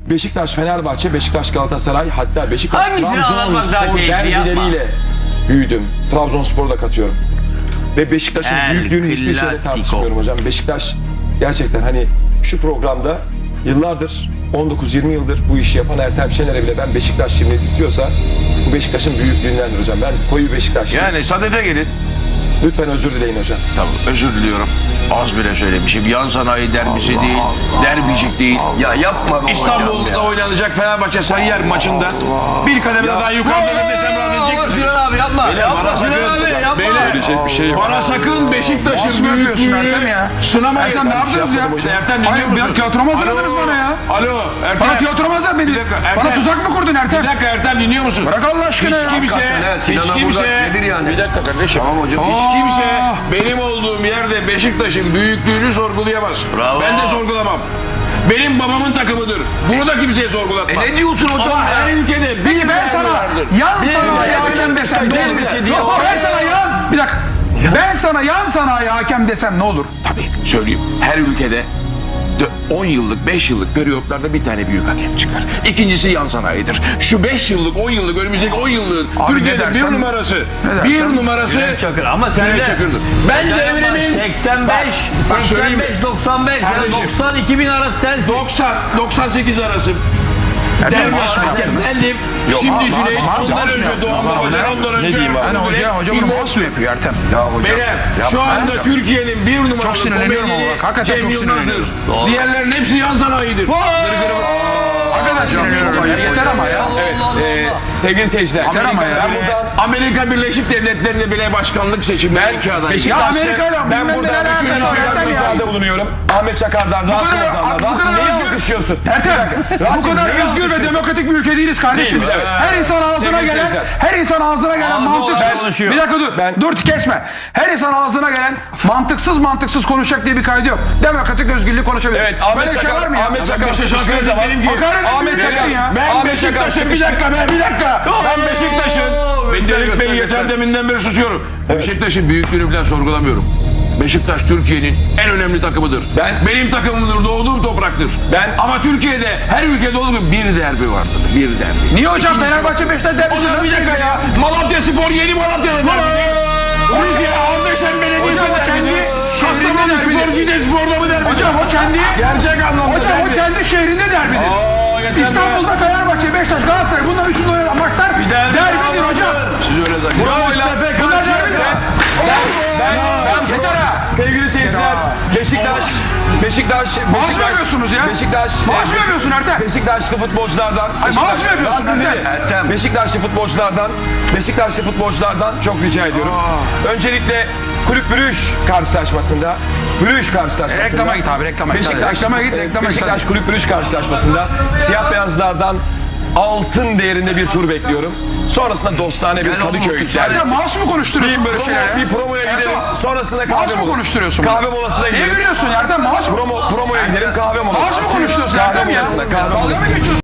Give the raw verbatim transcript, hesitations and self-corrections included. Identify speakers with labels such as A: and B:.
A: Beşiktaş, Fenerbahçe, Beşiktaş, Galatasaray, hatta Beşiktaş,
B: Hangisini anlatmak daha
A: Trabzonspor
B: keyifli, yapma.
A: derbileriyle büyüdüm. Trabzonspor'u da katıyorum. Ve Beşiktaş'ın
B: El
A: büyüklüğünü hiçbir şeyle
B: Clasico.
A: tartışmıyorum hocam. Beşiktaş gerçekten hani şu programda yıllardır, on dokuz yirmi yıldır bu işi yapan Ertem Şener'e bile ben Beşiktaş şimdi diyorsa bu Beşiktaş'ın büyüklüğündendir hocam. Ben koyu bir Beşiktaşlıyım.
C: Yani sadede gelin.
A: Lütfen özür dileyin hocam.
C: Tamam, özür diliyorum. Az bile söylemişim. Yan sanayi derbisi değil, derbicik değil.
D: Ya yapma be
C: İstanbul'da
D: hocam ya.
C: oynanacak Fenerbahçe Sarıyer maçında bir kademe daha yukarıda desem rahat edecek misiniz?
B: Sinan abi yapma.
C: Beyler,
B: Yapma
C: bana
B: Sinan
C: sakın-
B: abi yapma.
C: Beyler,
A: Söyleyecek bir şey yok.
C: Bana sakın Beşiktaş'ın büyüklüğünü sınamayın.
E: Ertem ne yaptınız ya?
C: İşte Ertem dinliyor
E: Hayır,
C: musun?
E: bir tiyatroma hazırladınız
C: Alo,
E: bana ya.
C: Alo Ertem.
E: Bana tiyatroma hazırladın beni.
C: Bir dakika, Ertem.
E: Bana tuzak mı kurdun Ertem?
C: Bir dakika Ertem dinliyor musun?
E: Bırak Allah aşkına
C: Hiç
E: ya.
C: kimse,
D: Hakikaten ha,
C: hiç
D: Sinan'a
C: kimse,
D: burada nedir yani?
C: bir dakika kardeşim.
D: Tamam hocam.
C: Hiç kimse benim olduğum yerde Beşiktaş'ın büyüklüğünü sorgulayamaz.
B: Bravo.
C: Ben de sorgulamam. Benim babamın takımıdır. Bunu da kimseye sorgulatmam.
D: E ne diyorsun hocam
C: Ama
D: ya?
C: her ülkede bir
E: Peki ben
C: derbi
E: sana
C: vardır.
E: yan
C: Bir
E: sanayi
C: derbi
E: hakem desem ne olur?
C: derbisi diye-
E: Yok, ben sana yan... Bir dakika. Ben sana yan sanayi hakem desem ne olur?
C: Tabii söyleyeyim. Her ülkede on yıllık, beş yıllık periyotlarda bir tane büyük hakem çıkar. İkincisi yan sanayidir. Şu beş yıllık, on yıllık, önümüzdeki on yıllığın
E: Abi
C: Türkiye'de
E: ne
C: bir
E: dersen-
C: numarası,
E: ne
C: bir
E: dersen-
C: numarası
B: Cüneyt Çakır ama sen
C: Cüneyt
B: de
C: Çakır'dır. Ben
B: Sen yapma.
C: devrimin
B: seksen beş,
C: bak söyleyeyim mi?
B: seksen beş, doksan beş, yani
C: Kardeşim.
B: doksan iki bin arası sensin.
C: doksan, doksan sekiz arası.
E: Ertem
C: Devre
E: maaş mı yaptınız?
B: Efendim,
C: Şimdi
E: maaş-
C: Cüneyt,
E: maaş-
C: ondan
E: maaş mı
C: önce
E: yaptınız?
C: Doğan
E: Maaş-
C: Babacan, ondan önce...
A: Ne diyeyim abi?
E: Yani hoca, hoca bunu
C: İmam-
E: maaş mı yapıyor Ertem?
D: Ya hocam.
C: Beyler, şu
D: yapma.
C: anda Türkiye'nin bir numaralı
E: Çok sinirleniyorum
C: komedini
E: ama bak, hakikaten
C: Cem
E: çok
C: Yılmaz'dır.
E: sinirleniyorum.
B: Doğru.
C: Diğerlerin hepsi yan sanayidir.
E: Hakikaten sinirleniyorum ya. Yeter ama ya.
A: Evet, e, sevgili seyirciler.
E: Yeter ama ya.
A: Ben buradan
C: Amerika Birleşik Devletleri'nde bile başkanlık seçimleri iki aday.
E: Ya
A: Beşiktaşlı,
E: Amerika'yla
A: ben
E: bilmem
A: buradan
E: neler
A: bir sürü
E: alakası var Ertem ya.
A: ricada bulunuyorum. Ahmet Çakar'dan, Rasim
E: kadar-
A: Ozan'dan.
E: bu
A: Rasim
E: kadar
A: neye
E: özgür-
A: alkışlıyorsun?
E: Ertem, bu
A: Rasim,
E: kadar
A: neye
E: özgür ve
A: alkışlıyorsun?
E: demokratik bir ülke değiliz kardeşim.
A: Değiliz, evet.
E: Her insan ağzına
A: Sevgili
E: gelen,
A: seyirciler.
E: her insan ağzına gelen
B: Ağzı
E: mantıksız.
B: olan konuşuyor.
E: Bir dakika dur,
A: Ben-
E: dur kesme. Her insan ağzına gelen mantıksız mantıksız konuşacak diye bir kaydı yok. Demokratik özgürlüğü konuşabilir.
A: Evet,
E: Böyle
A: Ahmet
E: bir şey
A: Çakar,
E: var mı ya?
A: Ahmet Çakar
C: Beşiktaş'a
A: sıkıştığı
C: hakaret
A: zaman,
C: ederim ki-
E: Hakaret
A: Ahmet
E: ediyorsun
A: Çakar,
E: ya.
C: Ben
A: Ahmet Çakar
C: Beşiktaş'ın bir
A: sıkıştı.
C: dakika be bir dakika. Ben Beşiktaş'ın ben
B: göster,
C: Delik Bey'i
B: göster,
C: yeter
B: göster.
C: deminden beri susuyorum. Beşiktaş'ın büyüklüğünü falan sorgulamıyorum. Beşiktaş Türkiye'nin en önemli takımıdır.
A: Ben-
C: Benim takımımdır, doğduğum topraktır.
A: Ben-
C: Ama Türkiye'de her ülkede olduğu gibi bir derbi vardır. Bir derbi.
E: Niye hocam
C: İkincisi
E: Fenerbahçe
C: yok.
E: Beşiktaş
C: O
E: derbisi
C: zaman bir dakika ya. Malatya Spor yeni Malatya'da derbi. Rize Ardeşen Belediyesi
E: Hocam o
C: derbi.
E: kendi
C: Kastamonu
E: şehrinde
C: Spor
E: derbi.
C: Cide Spor'da mı derbi?
E: Hocam o kendi
C: Gerçek anlamda
E: Hocam o
C: derbi.
E: kendi şehrinde derbidir.
C: Aa, yeter be.
E: İstanbul'da Fenerbahçe, Beşiktaş, Galatasaray bunlar üçünde oynanan maçlar
B: derbi
E: derbidir
B: daha
E: hocam.
C: Siz öyle zannediyorsunuz.
A: Bravo'yla
E: Bunlar derbidir.
A: ben, ben
E: Yeter ha.
A: sevgili seyirciler, Beşiktaş, Beşiktaş, Beşiktaş,
E: yapıyorsunuz ya?
A: Beşiktaş,
E: Maaş mı yapıyorsun Ertem?
A: Beşiktaşlı futbolculardan,
E: maaş mı yapıyorsun
A: Rasim
E: Ertem?
A: dedi.
D: Ertem.
A: Beşiktaşlı futbolculardan, Beşiktaşlı futbolculardan çok rica ediyorum. Öncelikle Kulüp Brüj karşılaşmasında, Brüj karşılaşmasında,
E: Reklama git abi, reklama git.
A: Beşiktaş,
E: Reklama git, reklama git.
A: Beşiktaş Kulüp Brüj karşılaşmasında siyah beyazlardan altın değerinde bir tur bekliyorum. Sonrasında dostane bir Kadıköy
E: Ertem
A: derbisi.
E: maaş mı konuşturuyorsun
A: Bir,
E: böyle
A: promo,
E: şeylere?
A: bir promoya gidelim.
E: Ertem,
A: Sonrasında kahve
E: maaş mı
A: molası.
E: konuşturuyorsun?
A: Kahve molasına
E: Niye
A: gidelim.
E: gülüyorsun Ertem? Maaş mı?
A: Promo, promoya gidelim kahve molası.
E: Maaş mı konuşturuyorsun
A: Kahve
E: Ertem ya?
A: molasına, kahve
E: Dalga mı
A: molasına.
E: geçiyorsun?